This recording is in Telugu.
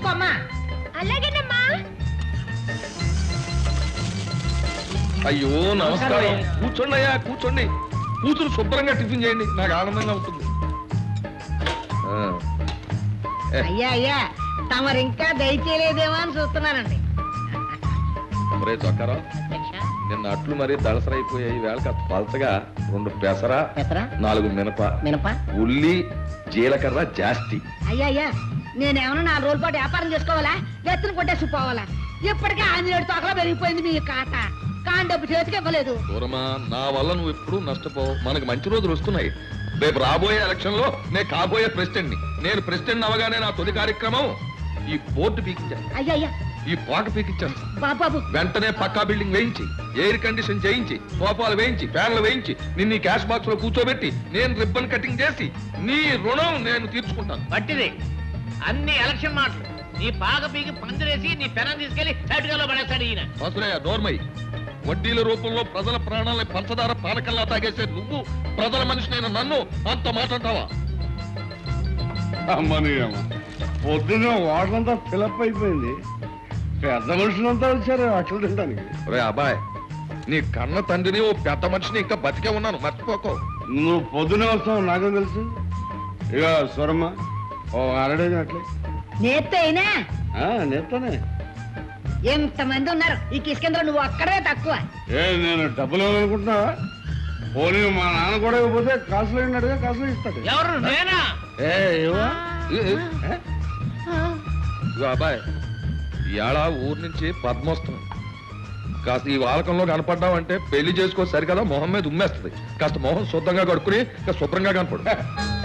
తీసుకోమ్మా. అలాగేనమ్మా. అయ్యో నమస్కారం. కూర్చోండి అయ్యా, కూర్చోండి. కూతురు శుభ్రంగా టిఫిన్ చేయండి, నాకు ఆనందంగా ఉంటుంది. అయ్యా అయ్యా, తమరు ఇంకా దయచేయలేదేమో అని చూస్తున్నానండి. మరే చొక్కారా, నిన్న అట్లు మరీ దళసరైపోయాయి. వేళ కాస్త పలచగా 2 పెసర, 4 మినప, ఉల్లి, జీలకర్ర జాస్తి. అయ్యా అయ్యా, నేనేమన్నా 4 రోజుల పాటు వ్యాపారం చేసుకోవాలా? ఎత్తున కొట్టేసి పోవాలా? ఇప్పటికే 6 తోకలా పెరిగిపోయింది మీ కాట. కాని డబ్బు చేతికి ఇవ్వలేదు. దూరమా, నా వల్ల నువ్వు ఎప్పుడు నష్టపోవు. మనకు మంచి రోజులు వస్తున్నాయి. రేపు రాబోయే ఎలక్షన్ లో నేను కాబోయే ప్రెసిడెంట్ ని. నేను ప్రెసిడెంట్ అవగానే నా తొలి కార్యక్రమం ఈ బోర్డు పీకించాను. అయ్యా అయ్యా, ఈ పాక పీకించాను. బాబు వెంటనే పక్కా బిల్డింగ్ వేయించి, ఎయిర్ కండిషన్ చేయించి, సోఫాలు వేయించి, ఫ్యాన్లు వేయించి, నిన్ను క్యాష్ బాక్స్ లో కూర్చోబెట్టి నేను రిబ్బన్ కటింగ్ చేసి నీ రుణం నేను తీర్చుకుంటాను. పట్టిది అన్ని ఎలక్షన్ మాటలు. నీ పాక పీకి పందిరేసి నీ పెనం తీసుకెళ్లి చటుకలో పడేస్తాడు ఈయన. అసలే నోర్మై, వడ్డీల రూపంలో ప్రజల ప్రాణాలని పంచదార పానకల్లా తాగేసే నువ్వు ప్రజల మనిషినైన నన్ను అంత మాట్లాడతావా? అమ్మని అమ్మ, పొద్దున్న వాటంతా ఫిలప్ అయిపోయింది. పెద్ద మనుషులంతా వచ్చారు అట్లు తినడానికి. రే అబ్బాయ్, నీ కన్న తండ్రిని ఓ పెద్ద మనిషిని ఇంకా బతికే ఉన్నాను, మర్చిపోకో. నువ్వు పొద్దునే వస్తావు నాకేం తెలుసు. ఇక స్వరమ్మ ఓ అరడేది అట్లే నేత్తైనా నేస్తానే. ఎంతమంది ఉన్నారు ఈ కిష్కేంద్ర, నువ్వు అక్కడే తక్కువ. నేను డబ్బులు ఇవ్వాలనుకుంటున్నావా? పోనీ మా నాన్న కూడా ఇవ్వకపోతే కాసులు అయినట్టుగా కాసులు ఇస్తాడు. ఎవరు? నేనా? ఇగో అబ్బాయ్, ఇవాళ ఊరు నుంచి పద్మోత్సవం. కాస్త ఈ వాలకంలో కనపడ్డావంటే పెళ్లి చేసుకో సరికదా మొహం మీద ఉమ్మేస్తుంది. కాస్త మొహం శుద్ధంగా కడుక్కుని శుభ్రంగా కనపడు.